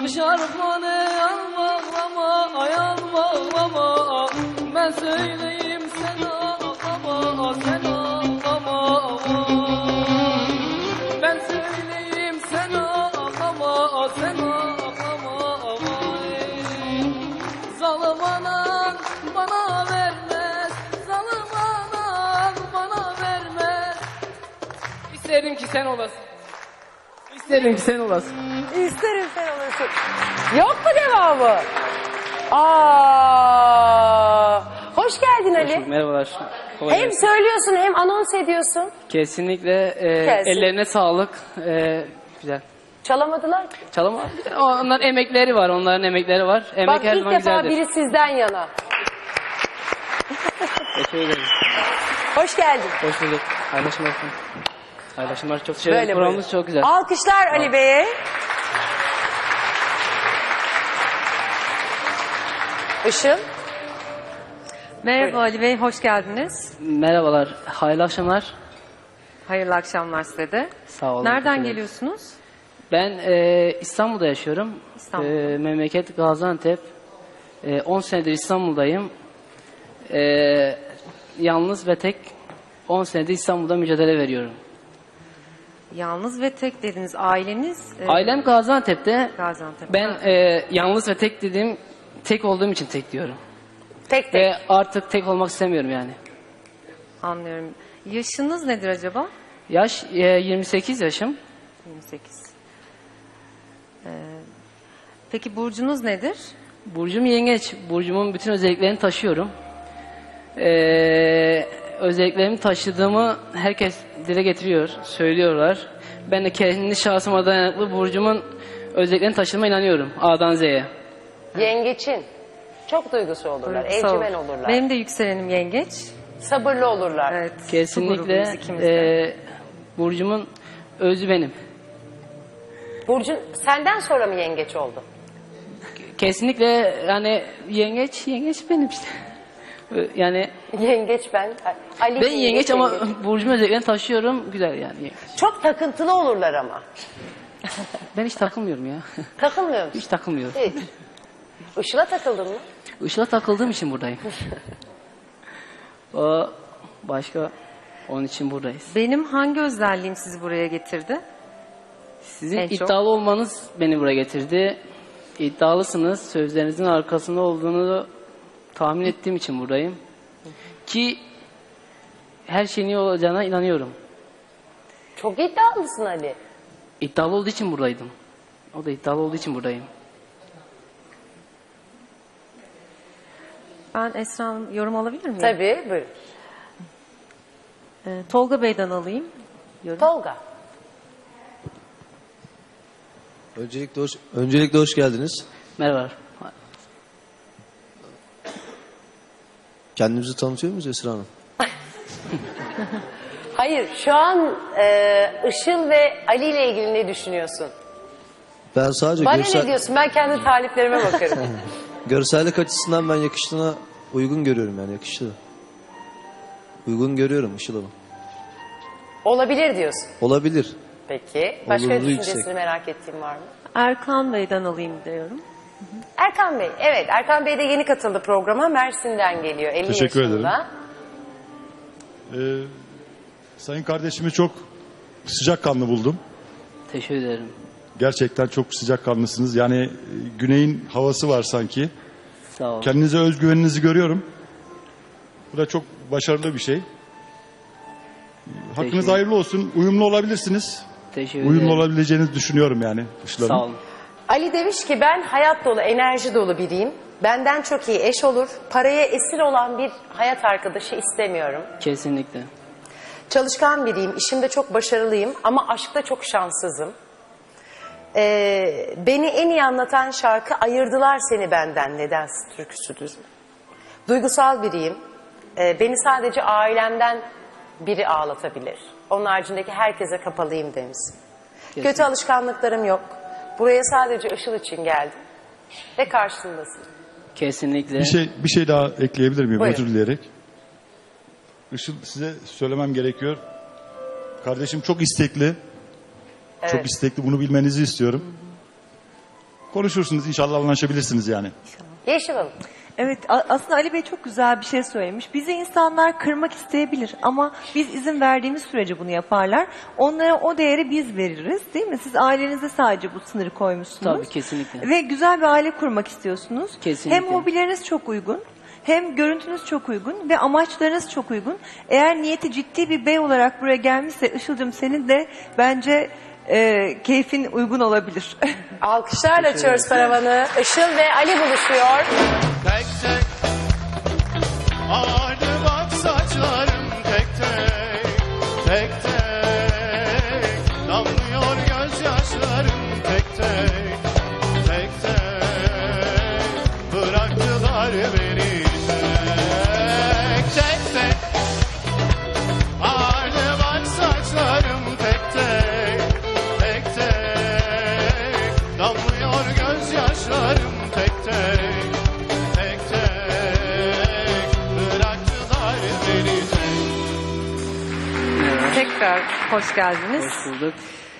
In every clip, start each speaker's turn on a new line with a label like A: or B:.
A: şarkmanı al bağlama, ayal bağlama. Ben söyleyeyim sen ağlama, sen ağlama. Ben söyleyeyim sen ağlama, sen ağlama. Zalim anan bana vermez, zalim anan bana vermez. İsterim ki sen olasın. İsterim ki sen olasın.
B: İsterim sen olasın. Yok mu devamı? Aa, hoş geldin Ali.
A: Merhabalar.
B: Hem söylüyorsun hem anons ediyorsun.
A: Kesinlikle ellerine sağlık. Güzel.
B: Çalamadılar ki.
A: Çalama. Onların emekleri var. Onların emekleri var. Emek
B: Bak
A: her
B: ilk
A: zaman
B: defa
A: güzeldir.
B: biri sizden yana.
A: Teşekkür ederim.
B: Hoş geldin.
A: Hoş bulduk. Paylaşım olsun. Paylaşımlar çok teşekkür ederim.
B: Böyle
A: Programımız
B: buyurun.
A: çok güzel.
B: Alkışlar Ali Bey'e. Işıl.
C: Merhaba Ali Bey, hoş geldiniz.
A: Merhabalar. Hayırlı akşamlar.
C: Hayırlı akşamlar size de.
A: Sağ olun.
C: Nereden
A: teşekkür ederim.
C: geliyorsunuz?
A: Ben İstanbul'da yaşıyorum.
C: İstanbul'da.
A: Memleket Gaziantep. 10 senedir İstanbul'dayım. Yalnız ve tek 10 senedir İstanbul'da mücadele veriyorum.
C: Yalnız ve tek dediniz. Aileniz?
A: Ailem Gaziantep'te.
C: Gaziantep.
A: Ben yalnız ve tek dediğim, tek olduğum için tek diyorum.
B: Tek tek.
A: Ve artık tek olmak istemiyorum yani.
C: Anlıyorum. Yaşınız nedir acaba?
A: Yaş 28 yaşım.
C: 28. Peki burcunuz nedir?
A: Burcum yengeç. Burcumun bütün özelliklerini taşıyorum. Özelliklerimi taşıdığımı herkes dile getiriyor, söylüyorlar. Ben de kendi şahsıma dayanıklı burcumun özelliklerini taşıdığıma inanıyorum. A'dan Z'ye.
B: Yengeçin. Çok duygusu olurlar.
C: Sağ olun.
B: Evcimen olurlar.
C: Benim de yükselenim yengeç.
B: Sabırlı olurlar.
C: Evet. su
A: Kesinlikle
C: grubuyuz ikimiz de.
A: burcumun özü benim.
B: Burcun senden sonra mı yengeç oldu?
A: Kesinlikle yani yengeç benim işte. Yani
B: Yengeç ben. Ali
A: ben yengeç ama burcumun özelliklerini taşıyorum. Güzel yani yengeç.
B: Çok takıntılı olurlar ama.
A: Ben hiç takılmıyorum ya.
B: Takılmıyor musun?
A: Hiç takılmıyorum.
B: Hiç. Işıl'a takıldın mı?
A: Işıl'a takıldığım için buradayım. O başka, onun için buradayız.
C: Benim hangi özelliğim sizi buraya getirdi?
A: Sizin
C: En çok?
A: iddialı olmanız beni buraya getirdi. İddialısınız. Sözlerinizin arkasında olduğunu tahmin ettiğim için buradayım. Ki her şeyin iyi olacağına inanıyorum.
B: Çok iddialısın Ali.
A: İddialı olduğu için buradaydım. O da iddialı olduğu için buradayım.
C: Ben Esra Hanım yorum alabilir miyim?
B: Tabii buyurun.
C: Tolga Bey'den alayım. Yorum.
B: Tolga.
D: Öncelikle hoş geldiniz.
A: Merhaba.
D: Kendimizi tanıtıyor muyuz Esra Hanım?
B: Hayır şu an Işıl ve Ali ile ilgili ne düşünüyorsun?
D: Ben sadece
B: Bana ne diyorsun? Ben kendi taliplerime bakarım.
D: görsellik açısından ben yakıştığına uygun görüyorum yani yakıştı. Uygun görüyorum Işıl Hanım.
B: Olabilir diyorsun.
D: Olabilir.
B: Peki. Başka
D: Olurluğu
B: düşüncesini
D: yüksek.
B: merak ettiğin var mı?
C: Erkan Bey'den alayım diyorum.
B: Erkan Bey. Evet Erkan Bey de yeni katıldı programa. Mersin'den geliyor. 50
E: Teşekkür
B: yaşında.
E: Sayın kardeşimi çok sıcakkanlı buldum.
A: Teşekkür ederim.
E: Gerçekten çok sıcakkanlısınız. Yani güneyin havası var sanki.
A: Sağ olun.
E: Kendinize özgüveninizi görüyorum. Bu da çok başarılı bir şey. Hakkınız
A: Teşekkür-
E: hayırlı olsun. Uyumlu olabilirsiniz.
A: Teşekkür
E: Uyumlu
A: ederim.
E: olabileceğinizi düşünüyorum yani. Işıl Hanım.
A: Sağ olun.
B: Ali demiş ki ben hayat dolu, enerji dolu biriyim. Benden çok iyi eş olur. Paraya esir olan bir hayat arkadaşı istemiyorum.
A: Kesinlikle.
B: Çalışkan biriyim, işimde çok başarılıyım ama aşkta çok şanssızım. Beni en iyi anlatan şarkı Ayırdılar Seni Benden Neden türküsüdür. Duygusal biriyim. Beni sadece ailemden biri ağlatabilir. Onun haricindeki herkese kapalıyım demiş. Kötü alışkanlıklarım yok. Buraya sadece Işıl için geldim. Ve karşındasın.
A: Kesinlikle.
E: Bir şey daha ekleyebilir miyim?
B: Buyurun.
E: Özür dileyerek. Işıl size söylemem gerekiyor. Kardeşim çok istekli.
B: Evet.
E: Çok istekli. Bunu bilmenizi istiyorum. konuşursunuz. İnşallah anlaşabilirsiniz yani.
B: Yeşil Hanım.
F: Evet, aslında Ali Bey çok güzel bir şey söylemiş. Bizi insanlar kırmak isteyebilir ama biz izin verdiğimiz sürece bunu yaparlar. Onlara o değeri biz veririz, değil mi? Siz ailenize sadece bu sınırı koymuşsunuz.
A: Tabii, kesinlikle.
F: Ve güzel bir aile kurmak istiyorsunuz.
A: Kesinlikle.
F: Hem hobileriniz çok uygun, hem görüntünüz çok uygun ve amaçlarınız çok uygun. Eğer niyeti ciddi bir bey olarak buraya gelmişse Işıl'cığım senin de bence keyfin uygun olabilir.
B: Alkışlarla açıyoruz paravanı. Işıl ve Ali buluşuyor.
G: Tek tek ağardı bak saçlarım tek tek. Tek tek damlıyor gözyaşlarım tek tek. Tek tek bıraktılar beni tek. Tek tek ağardı bak saçlarım tek tek. Tek tek damlıyor gözyaşlarım tek tek.
C: Tekrar hoş geldiniz.
A: Hoş bulduk.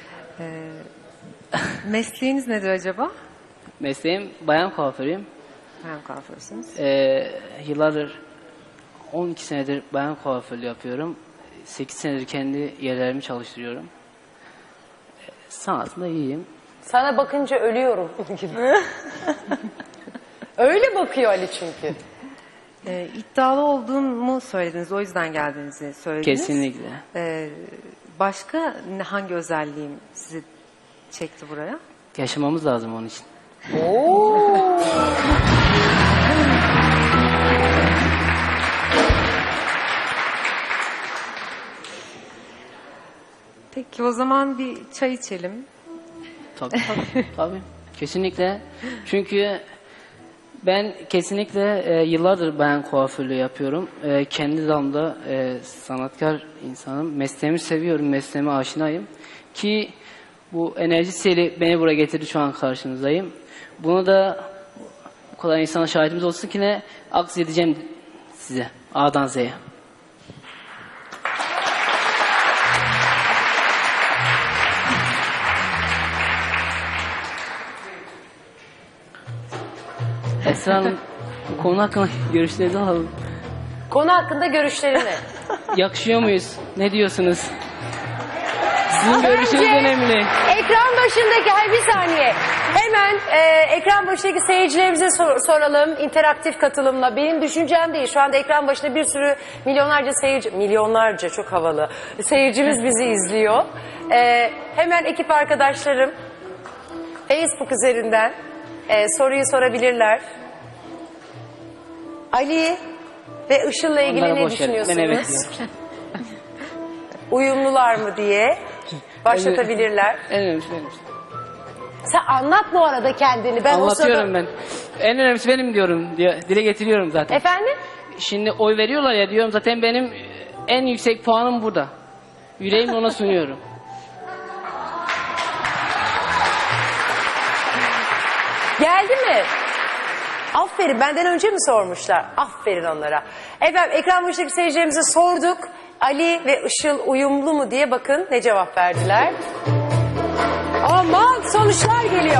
C: Mesleğiniz nedir acaba?
A: Mesleğim bayan kuaförüyüm.
C: Bayan kuaförsünüz.
A: Yıllardır 12 senedir bayan kuaförlüğü yapıyorum. 8 senedir kendi yerlerimi çalıştırıyorum. Sanatında iyiyim.
B: Sana bakınca ölüyorum gibi. Öyle bakıyor Ali çünkü.
C: İddialı olduğumu söylediniz. O yüzden geldiğinizi söylediniz.
A: Kesinlikle.
C: Başka hangi özelliğim sizi çekti buraya?
A: Yaşamamız lazım onun için.
C: Peki o zaman bir çay içelim.
A: Tabii. Tabii. Kesinlikle. Çünkü ben kesinlikle yıllardır bayan kuaförlüğü yapıyorum. Kendi dalımda sanatkar insanım. Mesleğimi seviyorum, mesleğime aşinayım. Ki bu enerji seli beni buraya getirdi, şu an karşınızdayım. Bunu da bu kadar insana şahitimiz olsun ki ne aks edeceğim size A'dan Z'ye. Esra Hanım, bu konu hakkında görüşlerinizi alalım.
B: Konu hakkında görüşlerini.
A: Yakışıyor muyuz? Ne diyorsunuz? Sizin görüşünüz önemli.
B: Ekran başındaki, bir saniye. Hemen ekran başındaki seyircilerimize soralım. İnteraktif katılımla. Benim düşüncem değil. Şu anda ekran başında bir sürü milyonlarca seyirci, milyonlarca çok havalı seyircimiz bizi izliyor. Hemen ekip arkadaşlarım Facebook üzerinden soruyu sorabilirler. Ali ve Işıl'la ilgili
A: Onlara
B: ne
A: boş verin. Ben
B: düşünüyorsunuz?
A: evet diyorum.
B: Uyumlular mı diye başlatabilirler.
A: En önemlisi benim.
B: Sen anlat bu arada kendini. Ben
A: Anlatıyorum ben. En önemlisi benim diyorum. Dile getiriyorum zaten.
B: Efendim?
A: Şimdi oy veriyorlar ya diyorum, zaten benim en yüksek puanım burada. Yüreğimle ona sunuyorum.
B: Geldi mi? Aferin, benden önce mi sormuşlar? Aferin onlara. Efendim ekran başındaki seyircilerimize sorduk. Ali ve Işıl uyumlu mu diye, bakın ne cevap verdiler. Aman sonuçlar geliyor.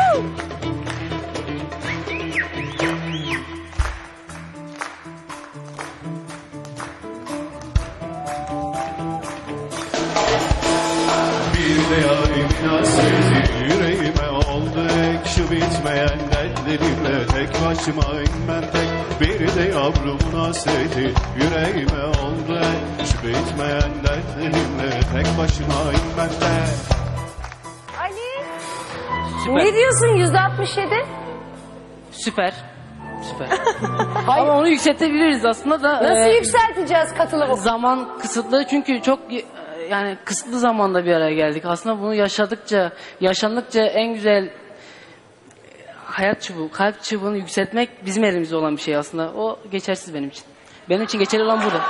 G: Bir de yarim hasreti yüreğime oldu ekşi bitmeyen dertlerimle tek başımayım ben tek. Bir de yavrumun hasreti yüreğime oldu ekşi bitmeyen dertlerimle tek başımayım ben tek.
B: Ali,
A: Süper.
B: ne diyorsun %67?
A: Süper. Süper. Ama onu yükseltebiliriz aslında da.
B: Nasıl yükselteceğiz katılımı?
A: Zaman kısıtlı, çünkü çok yani kısıtlı zamanda bir araya geldik. Aslında bunu yaşandıkça en güzel hayat çubuğu, kalp çubuğunu yükseltmek bizim elimizde olan bir şey aslında. O geçersiz benim için. Benim için geçerli olan burada.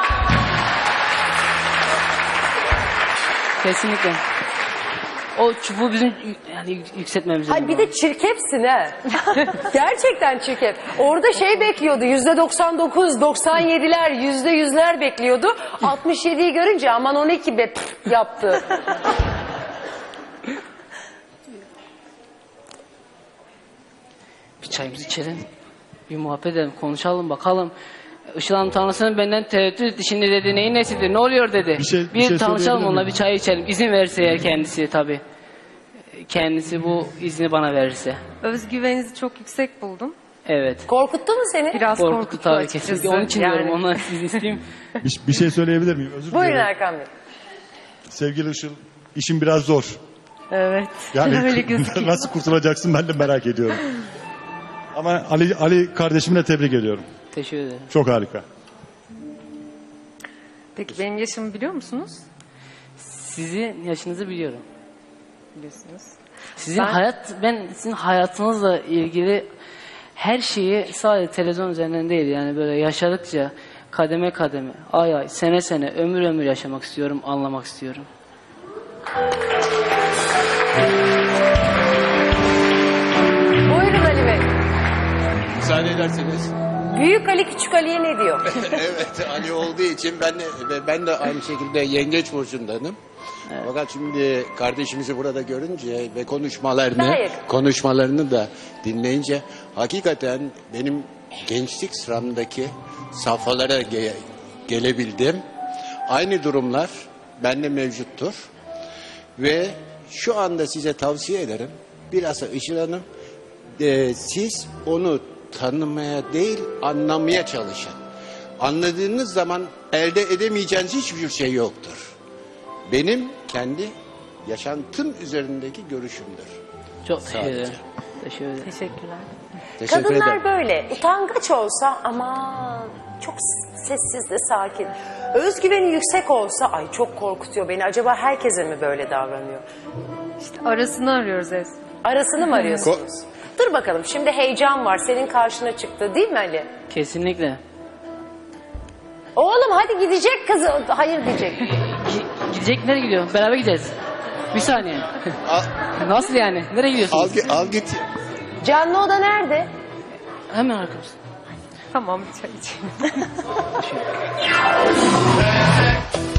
A: Kesinlikle. O çubuğu bizim yani yükseltmemiz lazım.
B: Ay bir de çirkefsin ha. Gerçekten çirkef. Orada şey bekliyordu, %99, 97'ler, %100'ler bekliyordu. 67'yi görünce aman 12 be yaptı.
A: çayımızı içelim. Bir muhabbet edelim, konuşalım bakalım. Işıl Hanım tanrısının benden tereddüt etti. Şimdi dedi neyin nesidir, ne oluyor dedi.
E: Bir şey
A: tanışalım
E: söyleyebilir
A: onunla,
E: miyim?
A: bir çay içelim. İzin verirse eğer kendisi tabii. Kendisi bu izni bana verirse.
C: Özgüveninizi çok yüksek buldum.
A: Evet.
B: Korkuttu mu seni?
C: Biraz
A: Korkuttu
C: korkuttu
A: tabii
C: açıkçası.
A: kesinlikle. Onun için
C: Yani.
A: diyorum, ondan sizin isteyeyim.
E: Bir şey söyleyebilir miyim? Özür
B: Buyurun
E: dilerim.
B: Erkan Bey.
E: Sevgili Işıl, işin biraz zor.
C: Evet.
E: Yani
C: Öyle gözüküyor.
E: nasıl kurtulacaksın ben de merak ediyorum. Ama Ali kardeşimi de tebrik ediyorum.
A: Teşekkür ederim.
E: Çok harika.
C: Peki benim yaşımı biliyor musunuz?
A: Sizin yaşınızı biliyorum.
C: Biliyorsunuz.
A: Ben sizin hayatınızla ilgili her şeyi sadece televizyon üzerinden değil, yani böyle yaşadıkça kademe kademe, ay ay, sene sene, ömür ömür yaşamak istiyorum, anlamak istiyorum.
B: Buyurun Ali Bey.
H: Müsaade ederseniz.
B: Büyük Ali Küçük Ali'ye ne diyor?
H: Evet, Ali olduğu için ben de aynı şekilde yengeç burcundanım. Fakat şimdi kardeşimizi burada görünce ve konuşmalarını da dinleyince hakikaten benim gençlik sıramdaki safhalara gelebildim. Aynı durumlar bende mevcuttur. Ve şu anda size tavsiye ederim. Bilhassa Işıl Hanım, siz onu tanımaya değil, anlamaya çalışın. Anladığınız zaman elde edemeyeceğiniz hiçbir şey yoktur. Benim kendi yaşantım üzerindeki görüşümdür.
A: Çok teşekkür
H: Sadece.
A: ederim. Teşekkür ederim.
C: Teşekkürler.
H: Teşekkür
B: Kadınlar
H: ederim.
B: böyle utangaç olsa aman çok sessiz de sakin. Özgüveni yüksek olsa ay çok korkutuyor beni. Acaba herkese mi böyle davranıyor?
C: İşte arasını arıyoruz Ez.
B: Arasını mı arıyorsunuz? Dur bakalım, şimdi heyecan var, senin karşına çıktı değil mi Ali?
A: Kesinlikle.
B: Oğlum hadi gidecek kızı. Hayır diyecek.
A: Gidecek, nereye gidiyor? Beraber gideceğiz. Bir saniye. Nasıl yani? Nereye gidiyorsunuz?
H: Al git.
B: Canlı oda nerede?
A: Hemen arkamızda.
C: Tamam, bir çay içelim.